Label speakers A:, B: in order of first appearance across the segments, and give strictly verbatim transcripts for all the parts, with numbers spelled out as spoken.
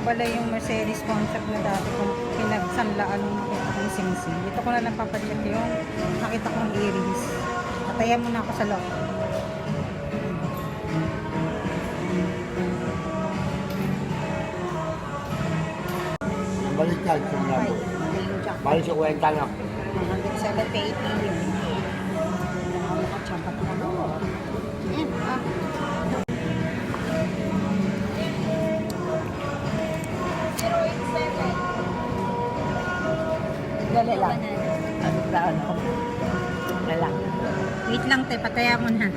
A: nawala yung Mercedes concept na dati kung pinagsanlaan nung nakita kong singsing. Dito ko na lang papacheck yung nakita kong earrings. Patayan mo na ako sa loob.
B: Balik yan, kung labo. Balik sa kwenta na.
A: Hanggang seventy-eight million. Nakachamba ko na. Ayan, ah.
C: Dali lang. Ano ba ano? Dali lang.
A: Wait lang, te. Pataya mo na.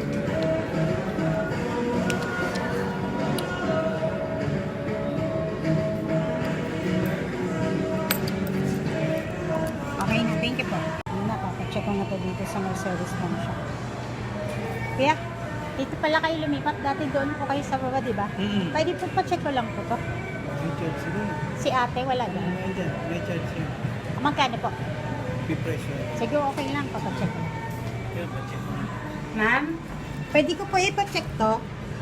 A: Okay na. Thank you po. Ano na, papacheck ko na to dito sa Mercedes Home Shop. Kaya, dito pala kayo lumipat. Dati doon po kayo sa baba, di ba?
B: Mm-hmm.
A: Pwede po pa-check ko lang po to.
B: May charge sila.
A: Si ate, wala din.
B: May, may charge sila.
A: Magkano po?
B: Pipresyo.
A: Sige, okay lang. Papacheck ko.
B: Yan, pacheck.
A: Ma'am, pwede ko po ipacheck to?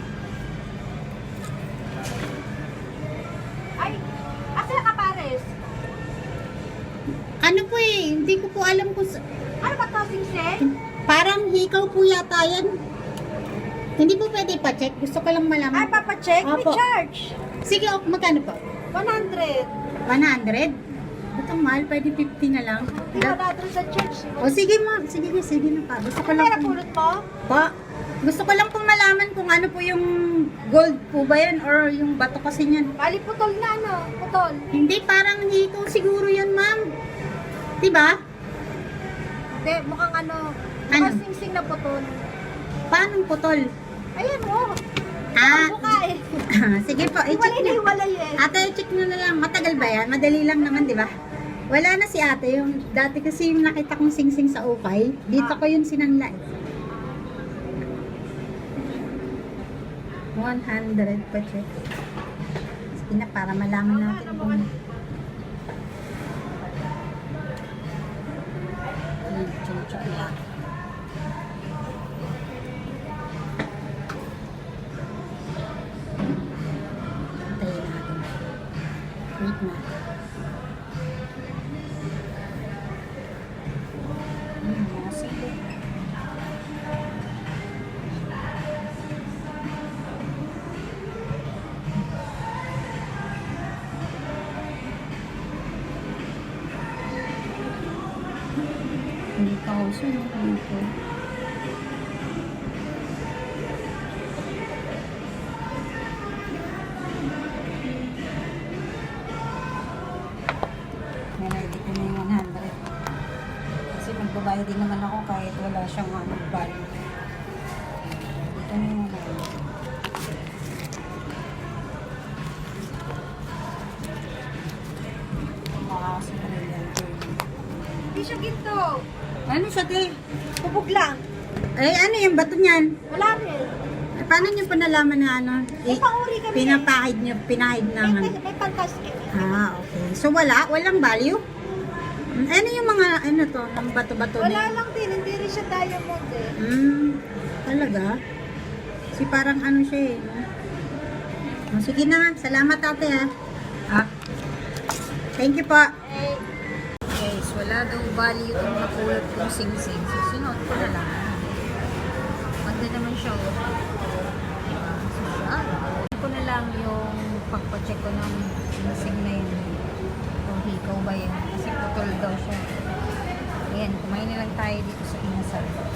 C: Ay! Asa ka pares?
A: Ano po eh, hindi ko po alam kung sa...
C: Ano ba to, Singseng?
A: Parang hikaw po yata yan. Hindi po pwede ipacheck. Gusto ko lang
C: Ay,
A: malaman.
C: papacheck? May
A: Opo.
C: charge.
A: Sige, ok, magkano po?
C: one hundred.
A: one hundred? Ba't ang mahal? Pwede fifty na lang.
C: Hindi one hundred sa charge.
A: O sige ma, sige na, sige na pa. Gusto ko lang
C: Pera
A: po.
C: pulot mo?
A: Pa, gusto ko lang pong malaman kung ano po yung gold po ba yan or yung bato kasi niyan.
C: Bali, putol na, ano? Putol.
A: Hindi, parang hikaw siguro yun, ma'am. Diba?
C: Hindi, mukhang ano,
A: Ano?
C: mukhang singsing na putol.
A: Paano putol?
C: Ayan mo.
A: Ah,
C: Ang mukha eh.
A: sige po, i-check
C: Hiwalay na
A: na.
C: hiwalay eh.
A: Ate, check nyo na lang. Matagal ba yan? Madali lang naman, di ba? Wala na si ate. Yung, dati kasi yung nakita kong singsing sa ukay, dito ko yun sinanla eh. one hundred pa check. Sige na, para malaman natin kung... Hmm, check lang. Antayin natin. Wait na. Hmm, nasilo. Hindi ka uso, no? Dito. Ready ko na yung one hundred. Kasi magbabayad din naman ako kahit wala siyang ano, value. Dito na yung one hundred. Makakasi pa rin yan.
C: Hindi siya ginto.
A: Ano siya, te?
C: Bubog lang.
A: Eh, ano yung bato niyan?
C: Wala rin.
A: Eh, paano niyo pa nalaman na ano?
C: May panguri kami.
A: Pinapahid niyo, pinahid na
C: May,
A: ano?
C: may, may pangkasket.
A: Ah, okay. So, wala? Walang value? Mm, Ano yung mga, ano to, ng bato-bato na
C: Wala
A: yun?
C: lang din. Hindi rin siya diamond eh.
A: Hmm, talaga? Kasi parang ano siya eh. No? Oh, sige na, salamat ate ha. Ah. Thank you po.
C: Eh,
A: Guys, wala daw value kung napulot kong sing-sing. So, sinuot ko na lang. Maganda naman siya. Oh. Diba? So, ah, ko na lang yung pagpacheck ko ng sing-sing na yun. Kung hikaw ba yun. Kasi putol daw siya. Ayan, kumain na lang tayo dito sa Inasal.